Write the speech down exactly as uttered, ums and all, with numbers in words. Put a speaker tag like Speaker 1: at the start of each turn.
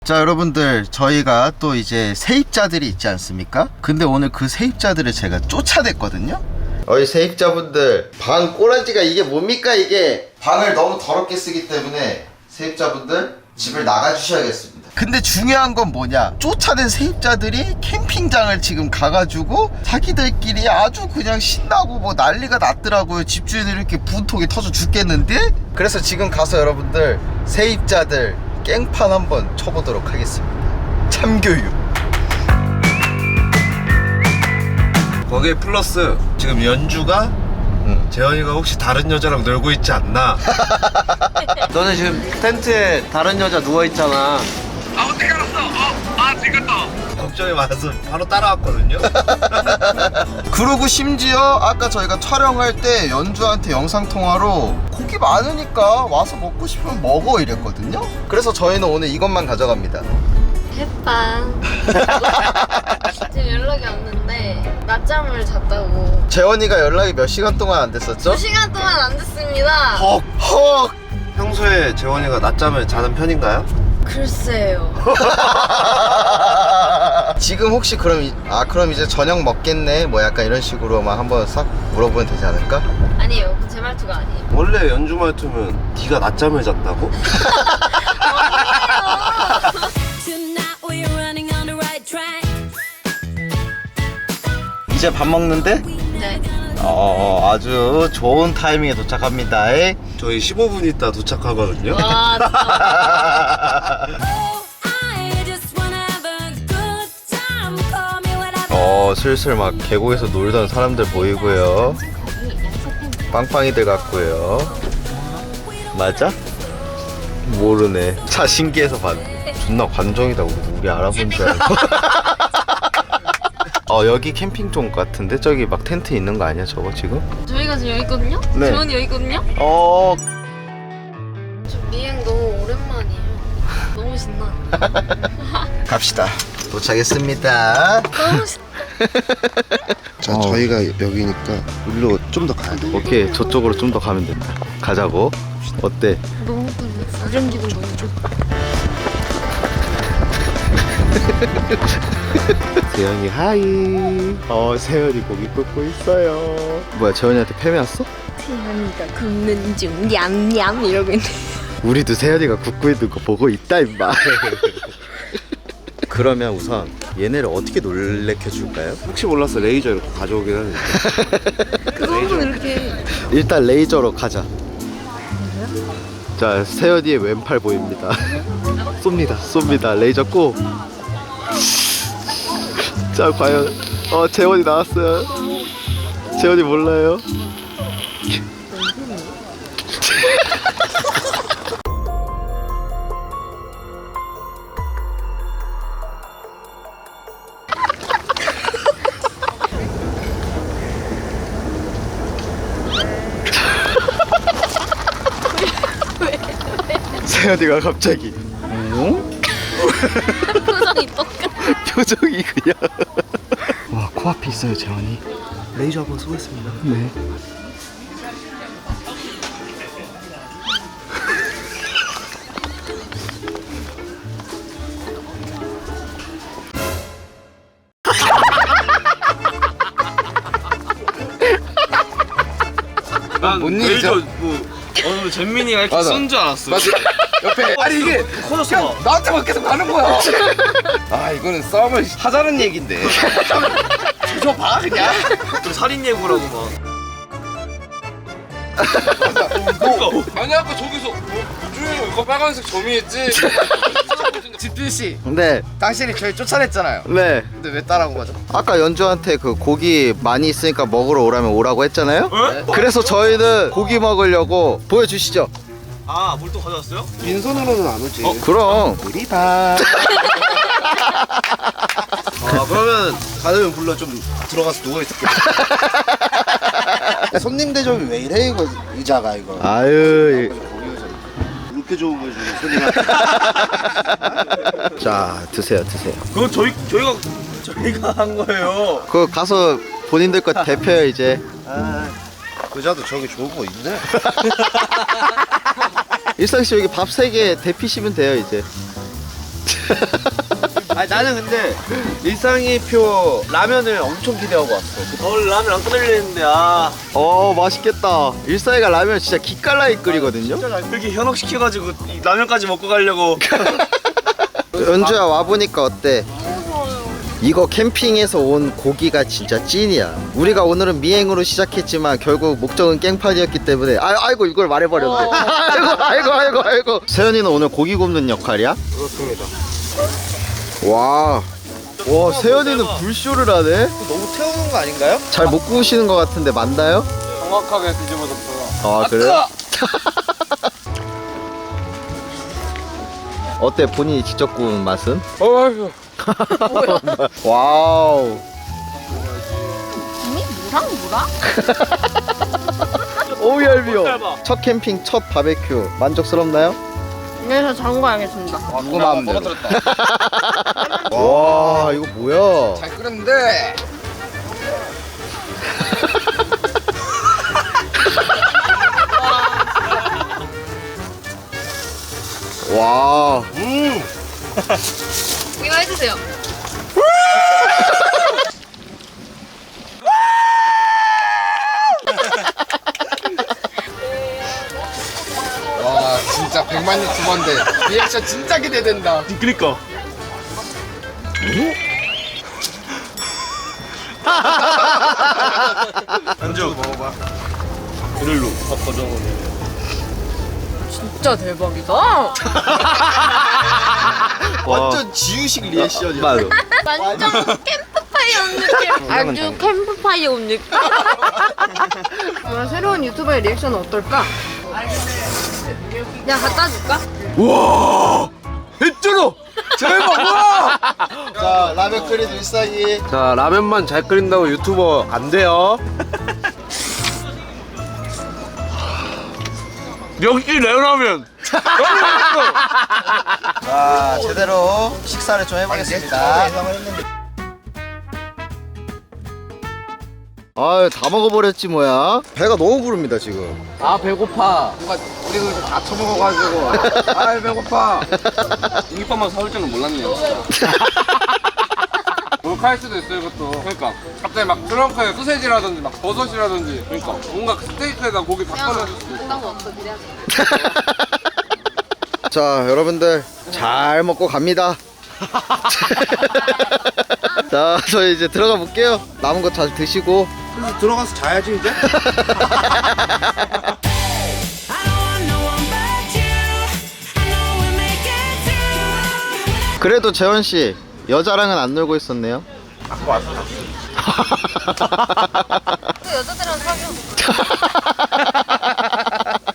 Speaker 1: 자, 여러분들, 저희가 또 이제 세입자들이 있지 않습니까? 근데 오늘 그 세입자들을 제가 쫓아냈거든요. 어이 세입자분들, 방 꼬라지가 이게 뭡니까 이게? 방을 너무 더럽게 쓰기 때문에 세입자분들 집을 나가주셔야겠습니다. 근데 중요한 건 뭐냐, 쫓아낸 세입자들이 캠핑장을 지금 가가지고 자기들끼리 아주 그냥 신나고 뭐 난리가 났더라고요. 집주인들이 이렇게 분통이 터져 죽겠는데? 그래서 지금 가서 여러분들 세입자들 깽판 한번 쳐보도록 하겠습니다. 참교육.
Speaker 2: 거기에 플러스 지금 연주가
Speaker 1: 응.
Speaker 2: 재현이가 혹시 다른 여자랑 놀고 있지 않나?
Speaker 3: 너는 지금 텐트에 다른 여자 누워있잖아.
Speaker 4: 아 어떻게 알았어? 어? 아 지금도
Speaker 2: 걱정이 많아서 바로 따라왔거든요.
Speaker 1: 그리고 심지어 아까 저희가 촬영할 때 연주한테 영상통화로 고기 많으니까 와서 먹고 싶으면 먹어 이랬거든요. 그래서 저희는 오늘 이것만 가져갑니다.
Speaker 5: 햇빵. 지금 연락이 왔는데 낮잠을 잤다고.
Speaker 1: 재원이가 연락이 몇 시간 동안 안 됐었죠?
Speaker 5: 두 시간 동안 안 됐습니다.
Speaker 1: 헉 헉.
Speaker 2: 평소에 재원이가 낮잠을 자는 편인가요?
Speaker 5: 글쎄요.
Speaker 1: 지금 혹시 그럼 이, 아 그럼 이제 저녁 먹겠네 뭐 약간 이런 식으로만 한번 싹 물어보면 되지 않을까?
Speaker 5: 아니에요. 그건 제 말투가 아니에요.
Speaker 2: 원래 연주 말투면 네가 낮잠을 잤다고?
Speaker 6: Tonight we're running on the right track.
Speaker 1: 이제 밥 먹는데?
Speaker 5: 네.
Speaker 1: 어 아주 좋은 타이밍에 도착합니다.
Speaker 2: 저희 십오 분 있다 도착하거든요.
Speaker 5: 와 진짜.
Speaker 6: Oh, I just wanna have a good time. Call me whenever.
Speaker 1: 어 슬슬 막 계곡에서 놀던 사람들 보이고요. 빵빵이들 같고요. 맞아? 모르네. 자 신기해서 봤네. 존나 관종이다. 우리, 우리 알아본 줄 알고. 어 여기 캠핑 좀 같은데? 저기 막 텐트 있는 거 아니야 저거 지금?
Speaker 5: 저희가 지금 여기 있거든요.
Speaker 1: 네.
Speaker 5: 재원이 여기 있거든요.
Speaker 1: 어
Speaker 5: 저 미행 너무 오랜만이에요. 너무 신나.
Speaker 1: 갑시다. 도착했습니다.
Speaker 5: 너무 신나.
Speaker 7: 자,
Speaker 1: 어.
Speaker 7: 저희가 여기니까 일로 좀 더 가야 돼.
Speaker 1: 오케이 저쪽으로 좀 더 가면 된다. 가자고. 어때?
Speaker 5: 너무 떨려. 이런 기분 너무 좋아.
Speaker 1: 재현이 하이. 어 세현이 고기 굽고 있어요. 뭐야 재현이한테 패배 왔어?
Speaker 5: 태연이가 굽는 중 냠냠 이러고 있네.
Speaker 1: 우리도 세현이가 굽고 있는 거 보고 있다 임마. 그러면 우선 얘네를 어떻게 놀래켜 줄까요?
Speaker 2: 혹시 몰라서 레이저 이렇게 가져오긴 하는데.
Speaker 5: 그거는 이렇게.
Speaker 1: 일단 레이저로 가자. 자 세현이의 왼팔 보입니다. 쏩니다 쏩니다 레이저 고. 자 과연 어 재원이 나왔어요. 재원이 몰라요. 세연이가 갑자기 응?
Speaker 5: 표정이 똑같아.
Speaker 1: 표정이 그냥 와 코앞에 있어요 재원이.
Speaker 2: 레이저 한번 쏘겠습니다.
Speaker 1: 네.
Speaker 4: 난뭔 일이죠? 뭐 어, 잼민이가 이렇게 쏜 줄 알았어.
Speaker 7: 옆에 아니 이게
Speaker 4: 커졌어.
Speaker 7: 나한테만 계속 가는 거야. 아 이거는 싸움을 하자는 얘긴데. 저 봐 그냥.
Speaker 4: 좀 살인 예고라고 막.
Speaker 7: 뭐, 아니 아까 저기서 뭐 우주에 이거 빨간색 점이했지. 집필 씨,
Speaker 1: 네.
Speaker 7: 당신이 저희 쫓아냈잖아요.
Speaker 1: 네.
Speaker 7: 근데 왜 따라온 거죠?
Speaker 1: 아까 연주한테 그 고기 많이 있으니까 먹으러 오라면 오라고 했잖아요.
Speaker 4: 에?
Speaker 1: 그래서 저희는 고기 먹으려고. 보여주시죠.
Speaker 4: 아, 뭘 또 가져왔어요?
Speaker 7: 빈손으로는 안 오지.
Speaker 1: 어 그럼.
Speaker 7: 우리다.
Speaker 2: 아 그러면 가능면 불러 좀 들어가서 누워 있을게.
Speaker 7: 손님 대접이 왜 이래 이거 의자가 이거.
Speaker 1: 아유.
Speaker 2: 이렇게 좋은 걸 주는 손님한테.
Speaker 1: 자 드세요 드세요.
Speaker 4: 그거 저희 저희가 저희가 한 거예요.
Speaker 1: 그거 가서 본인들 거 대표요 이제.
Speaker 2: 의자도 저기 좋은 거 있네.
Speaker 1: 일상씨 여기 밥 세 개 대피시면 돼요 이제.
Speaker 3: 아니 나는 근데 일상이표 라면을 엄청 기대하고 왔어. 오늘 라면 안 끓이려는데 아.
Speaker 1: 어 맛있겠다. 일사이가 라면 진짜 기깔나게 끓이거든요.
Speaker 3: 이렇게 현혹시켜가지고 이 라면까지 먹고 가려고.
Speaker 1: 연주야 와보니까 어때? 이거 캠핑에서 온 고기가 진짜 찐이야. 우리가 오늘은 미행으로 시작했지만 결국 목적은 깽판이었기 때문에 아, 아이고 이걸 말해버렸네. 아이고 아이고 아이고 아이고. 세연이는 오늘 고기 굽는 역할이야?
Speaker 2: 그렇습니다.
Speaker 1: 와, 와 세연이는 불쇼를 하네?
Speaker 3: 너무 태우는 거 아닌가요?
Speaker 1: 잘 못 구우시는 것 같은데 맞나요?
Speaker 7: 정확하게 뒤집어졌어요.
Speaker 1: 아 그래요? 어때 본인이 직접 구운 맛은?
Speaker 7: 어휴.
Speaker 1: 와우.
Speaker 5: 이미 뭐랑 뭐랑?
Speaker 1: 오우 얄미워. 첫 캠핑 첫 바베큐 만족스럽나요?
Speaker 5: 그래서 장구하겠습니다.
Speaker 1: 누구 마음대로. 와 이거 뭐야?
Speaker 7: 잘 끓였는데.
Speaker 1: 와.
Speaker 5: 이거 해주세요.
Speaker 7: 와 진짜 백만 유튜버인데 리액션 진짜 기대된다.
Speaker 3: 그니까. 안주 먹어봐. 드릴로 바꿔줘.
Speaker 5: 진짜 대박이다.
Speaker 1: 완전 지우식 리액션이야.
Speaker 3: 맞아.
Speaker 5: 완전 캠프파이어 온 느낌. 아주 캠프파이어 온 느낌.
Speaker 8: 그럼 새로운 유튜버의 리액션은 어떨까?
Speaker 5: 그냥 갖다 줄까?
Speaker 2: 했잖아. 대박. 와.
Speaker 1: 자 라면 끓인 일상이.
Speaker 2: 자 라면만 잘 끓인다고 유튜버 안 돼요.
Speaker 3: 역시 내 라면.
Speaker 1: 자 제대로 식사를 좀 해보겠습니다. 아유 다 먹어버렸지 뭐야. 배가 너무 부릅니다 지금.
Speaker 7: 아 배고파. 누가 우리 그다 처먹어가지고. 아 배고파.
Speaker 4: 공깃밥만 사올 줄은 몰랐네요 진짜.
Speaker 7: 몰카일 수도 있어 이것도. 그러니까 갑자기 막 트렁크에 소세지라든지 막 버섯이라든지. 그러니까 뭔가 스테이크에다 고기 다 꺼내줄 수도 있어.
Speaker 5: 그딴 거 없어 기대하지.
Speaker 1: 자 여러분들 잘 먹고 갑니다. 자 저희 이제 들어가 볼게요. 남은 거 잘 드시고.
Speaker 3: 그래서 들어가서 자야지 이제.
Speaker 6: I don't want no one but you. I know we'll make it through.
Speaker 1: 그래도 재원 씨 여자랑은 안 놀고 있었네요.
Speaker 5: 또 여자들이랑 사귀어.